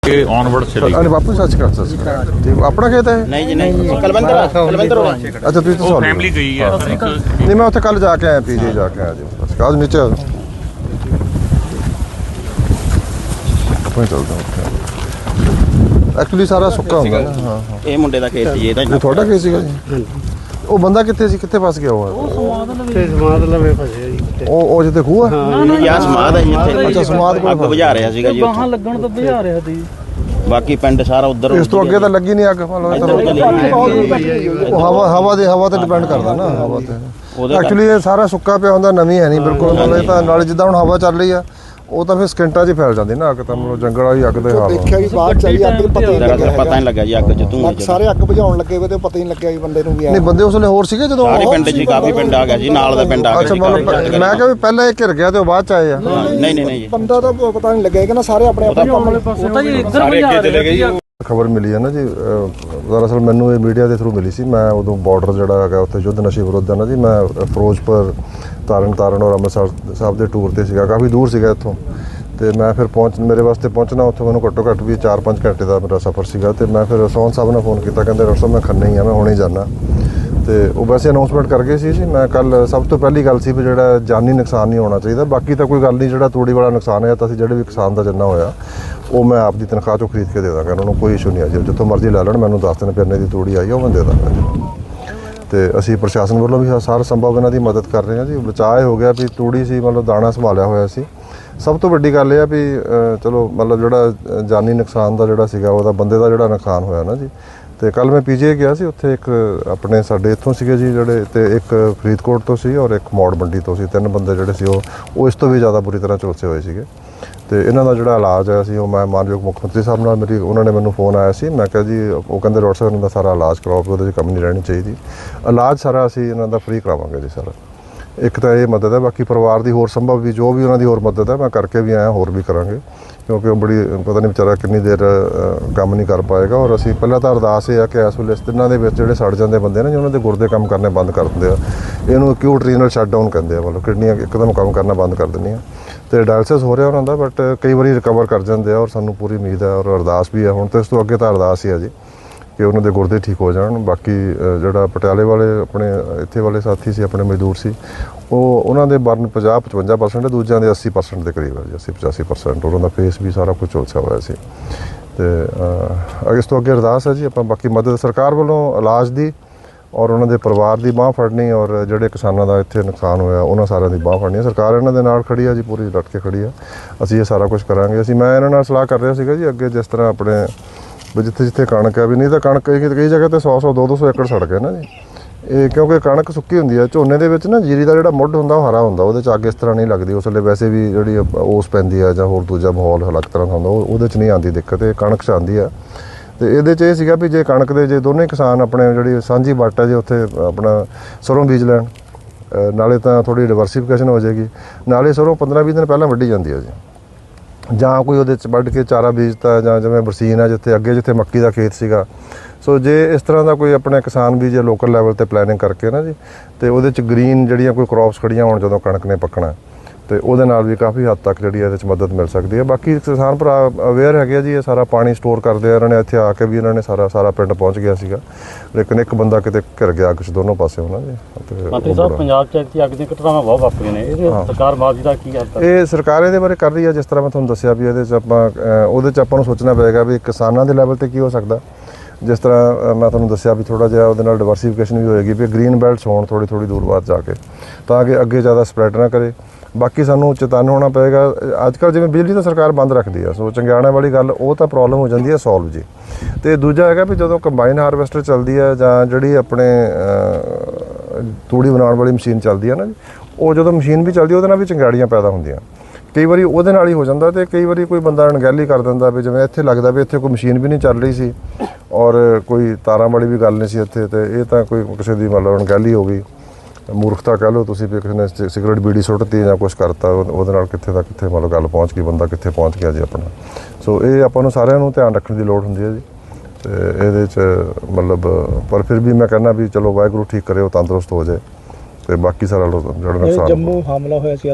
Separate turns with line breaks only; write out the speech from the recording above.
onward चले
अरे वापस सच कर ठीक अपना खेत है
नहीं जी नहीं कलवंतर
अच्छा तुझे तो
फैमिली गई है
नहीं मैं उत्थे कल जाके आया पीजी जाके आया जी बस आज नीचे आ जाओ अपन चलते हैं एक्चुअली सारा सुक्का ਹੁੰਦਾ ਨਾ ਹਾਂ ਹਾਂ
ਇਹ ਮੁੰਡੇ ਦਾ ਖੇਤ ਜੀ ਇਹਦਾ
ਇਹ ਤੁਹਾਡਾ ਕੀ ਸੀਗਾ ਜੀ ਉਹ ਬੰਦਾ ਕਿੱਥੇ ਸੀ ਕਿੱਥੇ ਫਸ ਗਿਆ ਉਹ
ਸਮਾਦ ਲਵੇ ਫਸਿਆ ਜੀ
ਉਹ ਜਿੱਥੇ ਖੂਹ ਹੈ
ਯਾ ਸਮਾਦ ਹੈ ਜੀ ਇੱਥੇ
ਅੱਛਾ ਸਮਾਦ ਕੋਲ
ਅੱਗ ਬੁਝਾ ਰਿਹਾ ਸੀਗਾ ਜੀ
ਬਾਹਾਂ ਲੱਗਣ ਤੋਂ ਬੁਝਾ ਰਿਹਾ ਸੀ
ਬਾਕੀ ਪਿੰਡ ਸਾਰਾ ਉਧਰ
ਇਸ ਤੋਂ ਅੱਗੇ ਤਾਂ ਲੱਗੀ ਨਹੀਂ ਅੱਗ ਹਵਾ ਤੇ ਡਿਪੈਂਡ ਕਰਦਾ ਨਾ ਹਵਾ ਤੇ ਐਕਚੁਅਲੀ ਇਹ ਸਾਰਾ ਸੁੱਕਾ ਪਿਆ ਹੁੰਦਾ ਨਵੀਂ ਹੈ ਨਹੀਂ ਬਿਲਕੁਲ ਮਤਲਬ ਇਹ ਤਾਂ ਨਾਲ ਜਿੱਦਾਂ ਹੁਣ ਹਵਾ ਚੱਲ ਰਹੀ ਆ ਉਹ ਤਾਂ ਫਿਰ ਸਕਿੰਟਾਂ 'ਚ ਫੈਲ ਜਾਂਦੀ ਨਾ ਅੱਗ ਤਾਂ ਮਤਲਬ ਜੰਗਲ ਵਾਲੀ ਅੱਗ ਦੇ ਹਾਲ
ਦੇਖਿਆ ਵੀ ਬਾਅਦ ਚ ਆਈ ਅੱਗ
ਪਤਾ ਨਹੀਂ ਲੱਗਾ ਜੀ ਅੱਗ ਚ ਧੂਆਂ
ਸਾਰੇ ਅੱਗ ਬੁਝਾਉਣ ਲੱਗੇ ਵੇ ਤੇ ਪਤਾ ਹੀ ਨਹੀਂ ਲੱਗਿਆ ਵੀ ਬੰਦੇ ਨੂੰ ਵੀ
ਨਹੀਂ ਬੰਦੇ ਉਸ ਵੇਲੇ ਹੋਰ ਸੀਗੇ ਜਦੋਂ
ਸਾਰੇ ਪਿੰਡ 'ਚ ਕਾਫੀ ਪਿੰਡ ਆ ਗਿਆ ਜੀ ਨਾਲ ਦਾ ਪਿੰਡ ਆ ਗਿਆ
ਅੱਛਾ ਮਤਲਬ ਮੈਂ ਕਿਹਾ ਵੀ ਪਹਿਲਾਂ ਇਹ ਘਿਰ ਗਿਆ ਤੇ ਉਹ ਬਾਅਦ 'ਚ ਆਏ ਆ
ਨਹੀਂ ਜੀ
ਬੰਦਾ ਤਾਂ ਪਤਾ ਨਹੀਂ ਲੱਗਿਆ ਕਿ ਨਾ ਸਾਰੇ ਆਪਣੇ ਆਪਣੇ
ਉਹ ਤਾਂ ਜੀ ਇੱਧਰ ਬੁਝਾ ਚਲੇ ਗਏ
ਖਬਰ ਮਿਲੀ ਹੈ ਨਾ ਜੀ ਦਰਅਸਲ ਮੈਨੂੰ ਇਹ ਮੀਡੀਆ ਦੇ ਥਰੂ ਮਿਲੀ ਸੀ ਮੈਂ ਉਦੋਂ ਬਾਰਡਰ ਜਿਹੜਾ ਹੈਗਾ ਉੱਥੇ ਯੁੱਧ ਨਸ਼ੇ ਵਿਰੁੱਧ ਹੈ ਨਾ ਜੀ ਮੈਂ ਫਿਰੋਜ਼ਪੁਰ ਤਾਰਨ ਔਰ ਅੰਮ੍ਰਿਤਸਰ ਸਾਹਿਬ ਦੇ ਟੂਰ ਤੇ ਸੀਗਾ ਕਾਫੀ ਦੂਰ ਸੀਗਾ ਇੱਥੋਂ ਤੇ ਮੈਂ ਫਿਰ ਮੇਰੇ ਵਾਸਤੇ ਪਹੁੰਚਣਾ ਉੱਥੇ ਮੈਨੂੰ ਘੱਟੋ ਘੱਟ ਵੀ 4-5 ਘੰਟੇ ਦਾ ਮੇਰਾ ਸਫ਼ਰ ਸੀਗਾ ਤੇ ਮੈਂ ਫਿਰ ਸੋਹਣ ਸਾਹਿਬ ਨੇ ਫੋਨ ਕੀਤਾ ਕਹਿੰਦੇ ਡਾਕਟਰ ਸਾਹਿਬ ਮੈਂ ਖੰਨੇ ਹੀ ਆ ਮੈਂ ਹੁਣੇ ਹੀ ਜਾਣਾ ਤੇ ਉਹ ਵੈਸੇ ਅਨਾਉਂਸਮੈਂਟ ਕਰ ਗਏ ਸੀ ਜੀ ਮੈਂ ਕੱਲ ਸਭ ਤੋਂ ਪਹਿਲੀ ਗੱਲ ਸੀ ਵੀ ਜਿਹੜਾ ਜਾਨੀ ਨੁਕਸਾਨ ਨਹੀਂ ਹੋਣਾ ਚਾਹੀਦਾ ਬਾਕੀ ਤਾਂ ਕੋਈ ਗੱਲ ਨਹੀਂ ਜਿਹੜਾ ਤੂੜੀ ਵਾਲਾ ਨੁਕਸਾਨ ਹੈ ਤਾਂ ਅਸੀਂ ਜਿਹੜੇ ਵੀ ਕਿਸਾਨ ਦਾ ਜਿੰਨਾ ਹੋਇਆ ਉਹ ਮੈਂ ਆਪਦੀ ਤਨਖਾਹ ਚੋਂ ਖਰੀਦ ਕੇ ਦੇ ਦਾਂਗਾ ਉਹਨਾਂ ਨੂੰ ਕੋਈ ਇਸ਼ੂ ਨਹੀਂ ਆ ਜੀ ਜਿੱਥੋਂ ਮਰਜ਼ੀ ਲੈ ਲੈਣ ਮੈਨੂੰ ਦੱਸ ਦੇਣ ਵੀ ਇੰਨੇ ਦੀ ਤੂੜੀ ਆਈ ਉਹ ਮੈਂ ਦੇ ਦਾਂਗਾ ਜੀ ਤੇ ਅਸੀਂ ਪ੍ਰਸ਼ਾਸਨ ਵੱਲੋਂ ਵੀ ਸਾਰ ਸੰਭਵ ਇਹਨਾਂ ਦੀ ਮਦਦ ਕਰ ਰਹੇ ਹਾਂ ਜੀ ਬਚਾਅ ਹੋ ਗਿਆ ਵੀ ਤੂੜੀ ਸੀ ਮਤਲਬ ਦਾਣਾ ਸੰਭਾਲਿਆ ਹੋਇਆ ਸੀ ਸਭ ਤੋਂ ਵੱਡੀ ਗੱਲ ਇਹ ਆ ਵੀ ਚਲੋ ਮਤਲਬ ਜਿਹੜਾ ਜਾਨੀ ਨੁਕਸਾਨ ਦਾ ਜਿਹੜਾ ਸੀਗਾ ਉਹਦਾ ਬੰਦੇ ਦਾ ਜਿਹੜਾ ਨੁਕਸਾਨ ਹੋਇਆ ਨਾ ਜੀ ਤੇ ਕੱਲ ਮੈਂ ਪੀਜੀਏ ਗਿਆ ਸੀ ਉੱਥੇ ਇੱਕ ਆਪਣੇ ਸਾਡੇ ਇੱਥੋਂ ਸੀਗੇ ਜੀ ਜਿਹੜੇ ਤੇ ਇੱਕ ਫਰੀਦਕੋਟ ਤੋਂ ਸੀ ਔਰ ਇੱਕ ਮੌੜ ਮੰਡੀ ਤੋਂ ਸੀ 3 ਬੰਦੇ ਜਿਹੜੇ ਸੀ ਉਹ ਇਸ ਤੋਂ ਵੀ ਜ਼ਿਆਦਾ ਬੁਰੀ ਤਰ੍ਹਾਂ ਝੁਲਸੇ ਹੋਏ ਸੀਗੇ ਤੇ ਇਹਨਾਂ ਦਾ ਜਿਹੜਾ ਇਲਾਜ ਹੈ ਸੀ ਉਹ ਮੈਂ ਮਾਨਯੋਗ ਮੁੱਖ ਮੰਤਰੀ ਸਾਹਿਬ ਨਾਲ ਉਹਨਾਂ ਨੇ ਮੈਨੂੰ ਫੋਨ ਆਇਆ ਸੀ ਮੈਂ ਕਿਹਾ ਜੀ ਉਹ ਕਹਿੰਦੇ ਡਾਕਟਰ ਸਾਹਿਬ ਇਹਨਾਂ ਦਾ ਸਾਰਾ ਇਲਾਜ ਕਰਾਓ ਉਹਦੇ 'ਚ ਕਮੀ ਨਹੀਂ ਰਹਿਣੀ ਚਾਹੀਦੀ ਇਲਾਜ ਸਾਰਾ ਅਸੀਂ ਇਹਨਾਂ ਦਾ ਫ੍ਰੀ ਕਰਾਵਾਂਗੇ ਜੀ ਸਾਰਾ ਇੱਕ ਤਾਂ ਇਹ ਮਦਦ ਹੈ ਬਾਕੀ ਪਰਿਵਾਰ ਦੀ ਹੋਰ ਸੰਭਵ ਵੀ ਜੋ ਵੀ ਉਹਨਾਂ ਦੀ ਹੋਰ ਮਦਦ ਹੈ ਮੈਂ ਕਰਕੇ ਵੀ ਆਇਆ ਹੋਰ ਵੀ ਕਰਾਂਗੇ ਕਿਉਂਕਿ ਉਹ ਬੜੀ ਪਤਾ ਨਹੀਂ ਵਿਚਾਰਾ ਕਿੰਨੀ ਦੇਰ ਕੰਮ ਨਹੀਂ ਕਰ ਪਾਏਗਾ ਔਰ ਅਸੀਂ ਪਹਿਲਾਂ ਤਾਂ ਅਰਦਾਸ ਇਹ ਆ ਕਿ ਇਸ ਵੇਲੇ ਦਿਨਾਂ ਦੇ ਵਿੱਚ ਜਿਹੜੇ ਸੜ ਜਾਂਦੇ ਬੰਦੇ ਨੇ ਜੀ ਉਹਨਾਂ ਦੇ ਗੁਰਦੇ ਕੰਮ ਕਰਨੇ ਬੰਦ ਕਰ ਦਿੰਦੇ ਆ ਇਹਨੂੰ ਅਕਿਊਟ ਰੀਨਲ ਸ਼ਟਡਾਊਨ ਕਹਿੰਦੇ ਆ ਮਤਲਬ ਕਿਡਨੀਆਂ ਇੱਕਦਮ ਕੰਮ ਕਰਨਾ ਬੰਦ ਕਰ ਦਿੰਦੀਆਂ ਤੇ ਡਾਇਲਸਿਸ ਹੋ ਰਿਹਾ ਉਹਨਾਂ ਦਾ ਬਟ ਕਈ ਵਾਰੀ ਰਿਕਵਰ ਕਰ ਜਾਂਦੇ ਆ ਔਰ ਸਾਨੂੰ ਪੂਰੀ ਉਮੀਦ ਹੈ ਔਰ ਅਰਦਾਸ ਵੀ ਹੈ ਹੁਣ ਤਾਂ ਇਸ ਤੋਂ ਅੱਗੇ ਤਾਂ ਅਰਦਾਸ ਹੀ ਹੈ ਜੀ ਕਿ ਉਹਨਾਂ ਦੇ ਗੁਰਦੇ ਠੀਕ ਹੋ ਜਾਣ ਬਾਕੀ ਜਿਹੜਾ ਪਟਿਆਲੇ ਵਾਲੇ ਆਪਣੇ ਇੱਥੇ ਵਾਲੇ ਸਾਥੀ ਸੀ ਆਪਣੇ ਮਜ਼ਦੂਰ ਸੀ ਉਹਨਾਂ ਦੇ ਬਰਨ 50-55% ਦੂਜਿਆਂ ਦੇ 80% ਦੇ ਕਰੀਬ ਹੈ ਜੀ 80-85% ਉਹਨਾਂ ਦਾ ਫੇਸ ਵੀ ਸਾਰਾ ਕੁਝ ਝੁਲਸਿਆ ਹੋਇਆ ਸੀ ਤੇ ਇਸ ਤੋਂ ਅੱਗੇ ਅਰਦਾਸ ਹੈ ਜੀ ਆਪਾਂ ਬਾਕੀ ਮਦਦ ਸਰਕਾਰ ਵੱਲੋਂ ਇਲਾਜ ਦੀ ਔਰ ਉਹਨਾਂ ਦੇ ਪਰਿਵਾਰ ਦੀ ਬਾਂਹ ਫੜਨੀ ਔਰ ਜਿਹੜੇ ਕਿਸਾਨਾਂ ਦਾ ਇੱਥੇ ਨੁਕਸਾਨ ਹੋਇਆ ਉਹਨਾਂ ਸਾਰਿਆਂ ਦੀ ਬਾਂਹ ਫੜਨੀ ਸਰਕਾਰ ਇਹਨਾਂ ਦੇ ਨਾਲ ਖੜੀ ਆ ਜੀ ਪੂਰੀ ਡਟ ਕੇ ਖੜੀ ਆ ਅਸੀਂ ਇਹ ਸਾਰਾ ਕੁਝ ਕਰਾਂਗੇ ਮੈਂ ਇਹਨਾਂ ਨਾਲ ਸਲਾਹ ਕਰ ਰਿਹਾ ਸੀਗਾ ਜੀ ਅੱਗੇ ਜਿਸ ਤਰ੍ਹਾਂ ਆਪਣੇ ਵੀ ਜਿੱਥੇ ਕਣਕ ਹੈ ਵੀ ਨਹੀਂ ਤਾਂ ਕਣਕ ਕਈ ਜਗ੍ਹਾ ਤੇ 100 200 ਏਕੜ ਸੜ ਗਏ ਨਾ ਜੀ ਇਹ ਕਿਉਂਕਿ ਕਣਕ ਸੁੱਕੀ ਹੁੰਦੀ ਹੈ ਝੋਨੇ ਦੇ ਵਿੱਚ ਨਾ ਜੀਰੀ ਦਾ ਜਿਹੜਾ ਮੁੱਢ ਹੁੰਦਾ ਉਹ ਹਰਾ ਹੁੰਦਾ ਉਹਦੇ 'ਚ ਅੱਗ ਇਸ ਤਰ੍ਹਾਂ ਨਹੀਂ ਲੱਗਦੀ ਉਸ ਵੇਲੇ ਵੈਸੇ ਵੀ ਜਿਹੜੀ ਓਸ ਪੈਂਦੀ ਆ ਜਾਂ ਹੋਰ ਦੂਜਾ ਮਾਹੌਲ ਅਲੱਗ ਤਰ੍ਹਾਂ ਦਾ ਹੁੰਦਾ ਉਹਦੇ 'ਚ ਨਹੀਂ ਆਉਂਦੀ ਦਿੱਕਤ ਇਹ ਕਣਕ 'ਚ ਆਉਂਦੀ ਆ ਤੇ ਇਹਦੇ 'ਚ ਇਹ ਸੀਗਾ ਵੀ ਜੇ ਕਣਕ ਦੇ ਜੇ ਦੋਨੇ ਕਿਸਾਨ ਆਪਣੇ ਜਿਹੜੀ ਸਾਂਝੀ ਵੱਟ ਹੈ ਜੇ ਉੱਥੇ ਆਪਣਾ ਸਰੋਂ ਬੀਜ ਲੈਣ ਨਾਲੇ ਤਾਂ ਥੋੜ੍ਹੀ ਡਿਵਰਸੀਫਿਕੇਸ਼ਨ ਹੋ ਜਾਏਗੀ ਨਾਲੇ ਸਰੋਂ 15-20 ਦਿਨ ਪਹਿਲਾਂ ਵੱਢੀ ਜਾਂਦੀ ਹੈ ਜੀ ਜਾਂ ਕੋਈ ਉਹਦੇ 'ਚ ਵੱਢ ਕੇ ਚਾਰਾ ਬੀਜਤਾ ਜਾਂ ਜਿਵੇਂ ਬਰਸੀਨ ਹੈ ਜਿੱਥੇ ਮੱਕੀ ਦਾ ਖੇਤ ਸੀਗਾ ਸੋ ਜੇ ਇਸ ਤਰ੍ਹਾਂ ਦਾ ਕੋਈ ਆਪਣੇ ਕਿਸਾਨ ਵੀ ਜੇ ਲੋਕਲ ਲੈਵਲ 'ਤੇ ਪਲੈਨਿੰਗ ਕਰਕੇ ਨਾ ਜੀ ਅਤੇ ਉਹਦੇ 'ਚ ਗ੍ਰੀਨ ਜਿਹੜੀਆਂ ਕੋਈ ਕ੍ਰੌਪਸ ਖੜੀਆਂ ਹੋਣ ਜਦੋਂ ਕਣਕ ਨੇ ਪੱਕਣਾ ਅਤੇ ਉਹਦੇ ਨਾਲ ਵੀ ਕਾਫੀ ਹੱਦ ਤੱਕ ਜਿਹੜੀ ਇਹਦੇ 'ਚ ਮਦਦ ਮਿਲ ਸਕਦੀ ਹੈ ਬਾਕੀ ਕਿਸਾਨ ਭਰਾ ਅਵੇਅਰ ਹੈਗੇ ਆ ਜੀ ਇਹ ਸਾਰਾ ਪਾਣੀ ਸਟੋਰ ਕਰਦੇ ਆ ਇਹਨਾਂ ਨੇ ਇੱਥੇ ਆ ਕੇ ਵੀ ਇਹਨਾਂ ਨੇ ਸਾਰਾ ਪਿੰਡ ਪਹੁੰਚ ਗਿਆ ਸੀਗਾ ਲੇਕਿਨ ਇੱਕ ਬੰਦਾ ਕਿਤੇ ਘਿਰ ਗਿਆ ਕੁਛ ਦੋਨੋਂ ਪਾਸੇ ਉਹਨਾਂ ਦੇ
ਮੰਤਰੀ ਸਾਹਿਬ ਪੰਜਾਬ 'ਚ ਅੱਗ ਦੀਆਂ ਘਟਨਾਵਾਂ ਬਹੁਤ ਵਾਪਰੀਆਂ ਨੇ ਇਹਦੇ ਸਰਕਾਰ ਮਾਜੀ ਦਾ ਕੀ ਹੱਲ
ਇਹ ਸਰਕਾਰ ਇਹਦੇ ਬਾਰੇ ਕਰ ਰਹੀ ਹੈ ਜਿਸ ਤਰ੍ਹਾਂ ਮੈਂ ਤੁਹਾਨੂੰ ਦੱਸਿਆ ਵੀ ਇਹਦੇ 'ਚ ਉਹਦੇ 'ਚ ਆਪਾਂ ਨੂੰ ਸੋਚਣਾ ਪਏਗਾ ਵੀ ਕਿਸਾਨਾਂ ਦੇ ਲੈਵਲ 'ਤੇ ਕੀ ਹੋ ਸਕਦਾ ਜਿਸ ਤਰ੍ਹਾਂ ਮੈਂ ਤੁਹਾਨੂੰ ਦੱਸਿਆ ਵੀ ਥੋੜ੍ਹਾ ਜਿਹਾ ਉਹਦੇ ਨਾਲ ਡਿਵਰਸੀਫਿਕੇਸ਼ਨ ਵੀ ਹੋਏਗੀ ਵੀ ਗ੍ਰੀਨ ਬੈਲਟਸ ਹੋਣ ਥੋੜ੍ਹੀ ਦੂਰ ਬਾਅਦ ਜਾ ਕੇ ਤਾਂ ਕਿ ਅੱਗੇ ਜ਼ਿਆਦਾ ਸਪਰੈਡ ਨਾ ਕਰੇ ਬਾਕੀ ਸਾਨੂੰ ਚੇਤੰਨ ਹੋਣਾ ਪਏਗਾ ਅੱਜ ਕੱਲ੍ਹ ਜਿਵੇਂ ਬਿਜਲੀ ਤਾਂ ਸਰਕਾਰ ਬੰਦ ਰੱਖਦੀ ਆ ਸੋ ਚੰਗਿਆਣਾ ਵਾਲੀ ਗੱਲ ਉਹ ਤਾਂ ਪ੍ਰੋਬਲਮ ਹੋ ਜਾਂਦੀ ਹੈ ਸੋਲਵ ਜੀ ਅਤੇ ਦੂਜਾ ਹੈਗਾ ਵੀ ਜਦੋਂ ਕੰਬਾਈਨ ਹਾਰਵੈਸਟਰ ਚੱਲਦੀ ਹੈ ਜਾਂ ਜਿਹੜੀ ਆਪਣੇ ਤੂੜੀ ਬਣਾਉਣ ਵਾਲੀ ਮਸ਼ੀਨ ਚੱਲਦੀ ਹੈ ਨਾ ਜੀ ਉਹ ਜਦੋਂ ਮਸ਼ੀਨ ਵੀ ਚੱਲਦੀ ਉਹਦੇ ਨਾਲ ਵੀ ਚੰਗਿਆੜੀਆਂ ਪੈਦਾ ਹੁੰਦੀਆਂ ਕਈ ਵਾਰੀ ਉਹਦੇ ਨਾਲ ਹੀ ਹੋ ਜਾਂਦਾ ਅਤੇ ਕਈ ਵਾਰੀ ਕੋਈ ਬੰਦਾ ਅਣਗਹਿਲੀ ਕਰ ਦਿੰਦਾ ਵੀ ਜਿਵੇਂ ਇੱਥੇ ਲੱਗਦਾ ਵੀ ਇੱਥੇ ਕੋਈ ਮਸ਼ੀਨ ਵੀ ਨਹੀਂ ਚੱਲ ਰਹੀ ਸੀ ਔਰ ਕੋਈ ਤਾਰਾਂ ਵਾਲੀ ਵੀ ਗੱਲ ਨਹੀਂ ਸੀ ਇੱਥੇ ਅਤੇ ਇਹ ਤਾਂ ਕੋਈ ਕਿਸੇ ਦੀ ਮਤਲਬ ਅਣਗਹਿਲੀ ਹੋ ਗਈ ਮੂਰਖਤਾ ਕਹਿ ਲਓ ਤੁਸੀਂ ਵੀ ਕਿਸੇ ਨੇ ਸਿਗਰਟ ਬੀੜੀ ਸੁੱਟਤੀ ਜਾਂ ਕੁਛ ਕਰਤਾ ਉਹਦੇ ਨਾਲ ਕਿੱਥੇ ਦਾ ਕਿੱਥੇ ਮਤਲਬ ਗੱਲ ਪਹੁੰਚ ਗਈ ਬੰਦਾ ਕਿੱਥੇ ਪਹੁੰਚ ਗਿਆ ਜੀ ਆਪਣਾ ਸੋ ਇਹ ਆਪਾਂ ਨੂੰ ਸਾਰਿਆਂ ਨੂੰ ਧਿਆਨ ਰੱਖਣ ਦੀ ਲੋੜ ਹੁੰਦੀ ਹੈ ਜੀ ਅਤੇ ਇਹਦੇ 'ਚ ਮਤਲਬ ਪਰ ਫਿਰ ਵੀ ਮੈਂ ਕਹਿੰਦਾ ਵੀ ਚਲੋ ਵਾਹਿਗੁਰੂ ਠੀਕ ਕਰੇ ਉਹ ਤੰਦਰੁਸਤ ਹੋ ਜਾਏ ਅਤੇ ਬਾਕੀ ਸਾਰਾ ਜਿਹੜਾ ਨੁਕਸਾਨ
ਜੰਮੂ ਹਮਲਾ ਹੋਇਆ ਸੀ